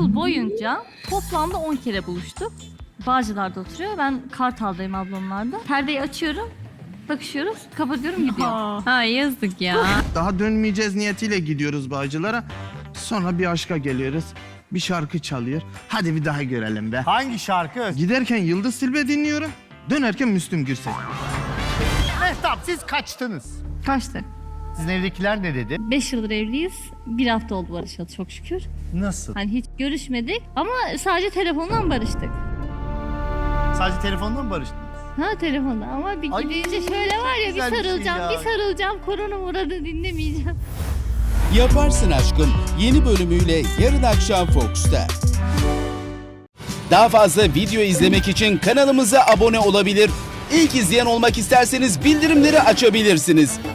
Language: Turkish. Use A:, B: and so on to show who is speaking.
A: yıl boyunca toplamda 10 kere buluştuk. Bağcılar'da oturuyor. Ben Kartal'dayım ablamlarda. Perdeyi açıyorum. Bakışıyoruz. Kapatıyorum gidiyor.
B: Ha yazık ya.
C: Daha dönmeyeceğiz niyetiyle gidiyoruz Bağcılar'a. Sonra bir aşka geliyoruz. Bir şarkı çalıyor. Hadi bir daha görelim be.
D: Hangi şarkı?
C: Giderken Yıldız Tilbe dinliyorum. Dönerken Müslüm Gürses.
D: Mehtap siz kaçtınız.
A: Kaçtık.
D: Sizin evdekiler ne dedi?
A: 5 yıldır evliyiz. 1 hafta oldu barışalı çok şükür.
D: Nasıl?
A: Hani hiç görüşmedik ama sadece telefondan barıştık.
D: Sadece telefondan mı barıştınız?
A: Ha telefonda ama bir
D: Ay,
A: gidince şöyle var ya bir
D: güzel bir şey
A: sarılacağım,
D: ya.
A: bir sarılacağım. Korona muradı dinlemeyeceğim.
E: Yaparsın Aşkım yeni bölümüyle yarın akşam Fox'ta. Daha fazla video izlemek için kanalımıza abone olabilir. İlk izleyen olmak isterseniz bildirimleri açabilirsiniz.